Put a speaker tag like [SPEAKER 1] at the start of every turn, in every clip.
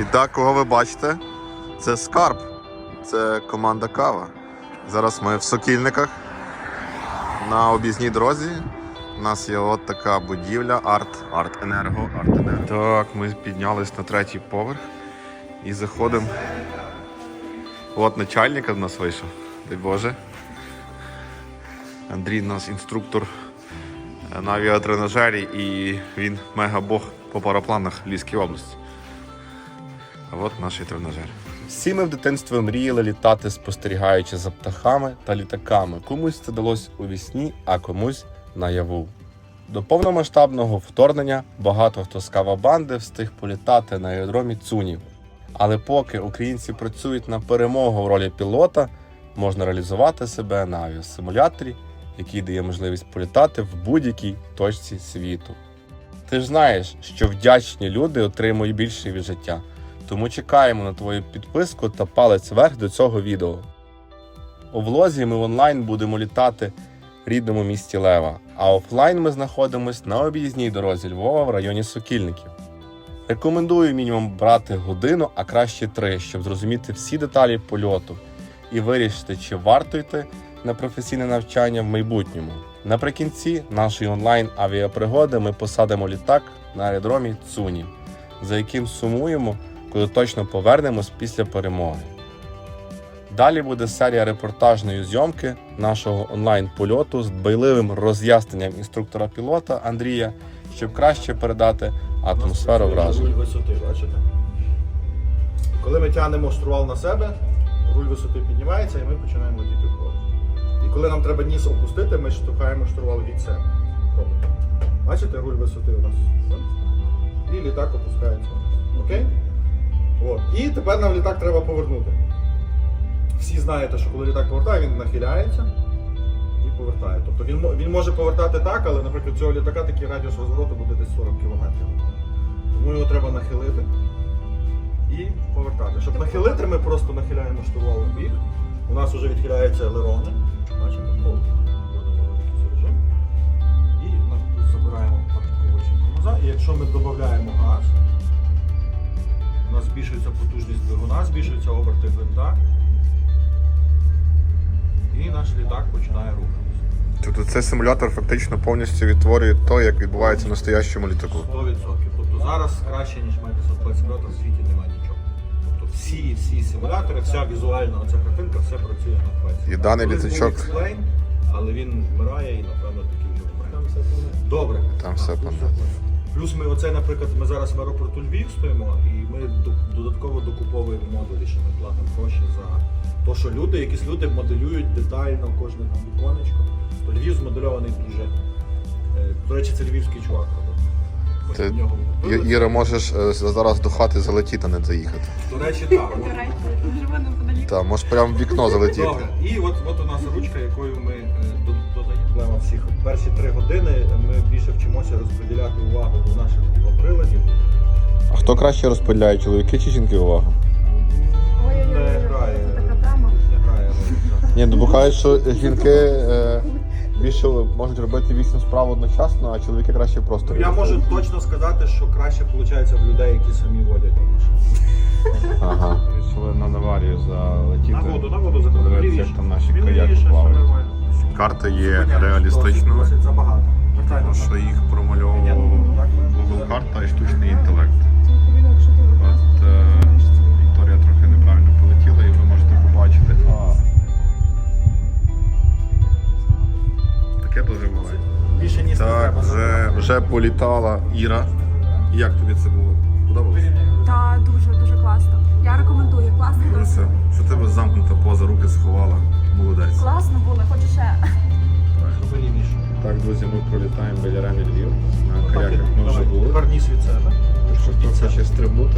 [SPEAKER 1] І так, кого ви бачите? Це Скарб. Це команда Кава. Зараз ми в Сокільниках на об'їзній дорозі. У нас є от така будівля Артенерго. Так, ми піднялись на 3-й поверх і заходимо. От начальник в нас вийшов. Дай Боже. Андрій у нас інструктор на авіатренажері і він мега-бог по парапланах Львівській області. А от наш тренажер. Всі ми в дитинстві мріяли літати, спостерігаючи за птахами та літаками. Комусь це далось у вісні, а комусь наяву. До повномасштабного вторгнення багато хто з кавабанди встиг політати на аеродромі Цунів. Але поки українці працюють на перемогу в ролі пілота, можна реалізувати себе на авіасимуляторі, який дає можливість політати в будь-якій точці світу. Ти ж знаєш, що вдячні люди отримують більше від життя. Тому чекаємо на твою підписку та палець вверх до цього відео. У влозі ми онлайн будемо літати в рідному місті Лева, а офлайн ми знаходимося на об'їзній дорозі Львова в районі Сокільників. Рекомендую мінімум брати годину, а краще 3, щоб зрозуміти всі деталі польоту і вирішити, чи варто йти на професійне навчання в майбутньому. Наприкінці нашої онлайн-авіапригоди ми посадимо літак на аеродромі Цунів, за яким сумуємо, коли точно повернемось після перемоги. Далі буде серія репортажної зйомки нашого онлайн-польоту з дбайливим роз'ясненням інструктора-пілота Андрія, щоб краще передати атмосферу вражень.
[SPEAKER 2] Руль висоти, бачите? Коли ми тягнемо штурвал на себе, руль висоти піднімається і ми починаємо летіти вгору. І коли нам треба ніс опустити, ми штовхаємо штурвал від себе. Бачите, руль висоти у нас? І літак опускається. Окей? От. І тепер нам літак треба повернути. Всі знаєте, що коли літак повертає, він нахиляється і повертає. Тобто він може повертати так, але, наприклад, цього літака такий радіус розвороту буде десь 40 км. Тому його треба нахилити і повертати. Щоб нахилити, ми просто нахиляємо штурвал в бік. У нас вже відхиляються елерони. Бачите? Вводимо якийсь режим. І забираємо парковочку тормоза. І якщо ми додаємо газ, у нас збільшується потужність двигуна, збільшуються оберти гвинта. І наш літак починає рухатися.
[SPEAKER 1] Тобто цей симулятор фактично повністю відтворює те, як відбувається в настоящому літаку.
[SPEAKER 2] 100%. Тобто зараз краще, ніж Microsoft Flight Simulator в світі немає нічого. Тобто всі симулятори, вся візуальна оця картинка, все працює на Flight Simulator.
[SPEAKER 1] І даний літачок...
[SPEAKER 2] Explain, але він вмирає і, напевно, таки вже вмирає. Добре.
[SPEAKER 1] Там все понятно.
[SPEAKER 2] Плюс ми оце, наприклад, ми зараз в аеропорту Львів стоїмо і ми додатково докуповуємо модулі, що ми платимо гроші за те, що якісь люди моделюють детально кожне там віконечко. То Львів змодельований дуже. До речі, це львівський чувак робить.
[SPEAKER 1] Іра, можеш зараз до хати залетіти, а не заїхати.
[SPEAKER 2] До речі, так.
[SPEAKER 3] Живе неподалік.
[SPEAKER 1] Так, можеш прямо в вікно залетіти.
[SPEAKER 2] Добре. І от у нас ручка, якою ми додаємо всіх. Перші 3 години ми більше вчимося розподіляти увагу до наших приладів.
[SPEAKER 1] А хто краще розподіляє, чоловіки чи жінки увагу?
[SPEAKER 2] Не грає.
[SPEAKER 3] Така тема.
[SPEAKER 2] Не грає.
[SPEAKER 1] Ні, ну бухають, що жінки більше можуть робити 8 справ одночасно, а чоловіки краще просто.
[SPEAKER 2] Я можу точно сказати, що краще виходить в людей, які самі водять машину.
[SPEAKER 1] Ага. Вирішили на Наварію залетіти.
[SPEAKER 2] На воду заходимо.
[SPEAKER 1] Подивитися, як там наші каяки плавають. Карта є реалістичною,
[SPEAKER 2] Досить забагато.
[SPEAKER 1] тому що їх промальовував Google карта і штучний інтелект. От Вікторія трохи неправильно полетіла і ви можете побачити. Таке дуже буває.
[SPEAKER 2] Більше ніс не
[SPEAKER 1] Так,
[SPEAKER 2] треба.
[SPEAKER 1] вже політала Іра. Як тобі це було? Подобалося?
[SPEAKER 3] Так, дуже класно. Я рекомендую. Класно.
[SPEAKER 1] Все. Що тебе замкнута поза, руки сховала. Молодець.
[SPEAKER 3] Класно було, хочу ще.
[SPEAKER 2] Зроби лівіше.
[SPEAKER 1] Так, друзі, ми пролітаємо біля Рени Львів. На каяках ми вже були.
[SPEAKER 2] Тепер ніс від себе.
[SPEAKER 1] Якщо хто хоче стрибнути,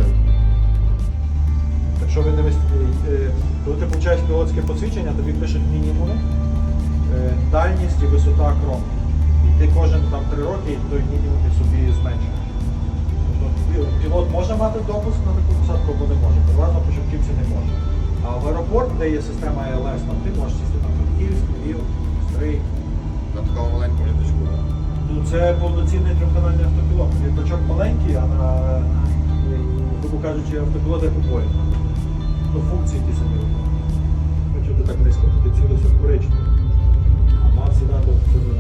[SPEAKER 2] Якщо ви коли ти получаєш пілотське посвідчення, тобі пишуть мінімуми, дальність і висота кром. І ти кожен 3 роки той мінімум собі зменшуєш. Тобто пілот може мати допуск на таку посадку або не може. Переважно початківці не може. А в аеропорт, де є система АЛС, ти можеш сісти на Франківськ, Львів, Стрий.
[SPEAKER 1] на такому маленькому літачку.
[SPEAKER 2] Це повноцінний трьохканальний автопілот. Літачок маленький, а на грубо кажучи, автопілот як у Боїнга. Ну, функції ті самі. Якщо ти так низько, то ти цілився в коричневу. А мав сідати в